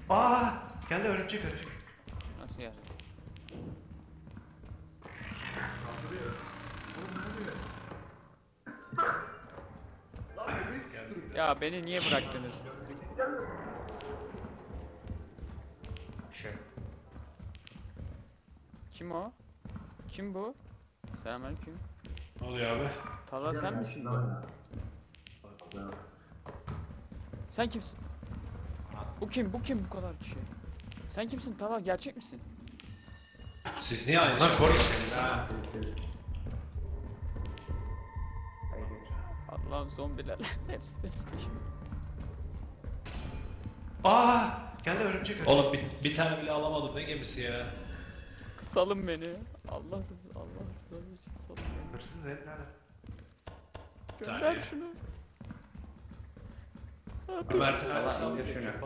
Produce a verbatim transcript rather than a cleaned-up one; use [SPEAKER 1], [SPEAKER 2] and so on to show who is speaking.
[SPEAKER 1] Aa, geldi örümcek örümcek.
[SPEAKER 2] Nasıl yani? Ya beni niye bıraktınız?
[SPEAKER 1] Şey.
[SPEAKER 2] Kim o? Kim bu? Selamünaleyküm.
[SPEAKER 3] Ne oluyor abi?
[SPEAKER 2] Talha sen misin bu? Sen kimsin? Bu kim? Bu kim bu kadar kişi? Sen kimsin Talha? Gerçek misin?
[SPEAKER 3] Siz niye aynı
[SPEAKER 1] Bunlar
[SPEAKER 3] şey
[SPEAKER 1] kork-
[SPEAKER 3] konuşuyorsunuz ha?
[SPEAKER 2] Allah'ım zombiler. Hepsi benim peşimde.
[SPEAKER 1] Aa, geldi örümcek örümcek.
[SPEAKER 3] Oğlum bir, bir tane bile alamadım, ne gemisi ya?
[SPEAKER 2] Salın beni. Allah rızı, Allah rızası için salın beni.
[SPEAKER 1] Hırsız herif nerede?
[SPEAKER 2] Gönder
[SPEAKER 3] Saniye.
[SPEAKER 2] şunu.
[SPEAKER 3] Mert'in
[SPEAKER 1] Allah indir şunu.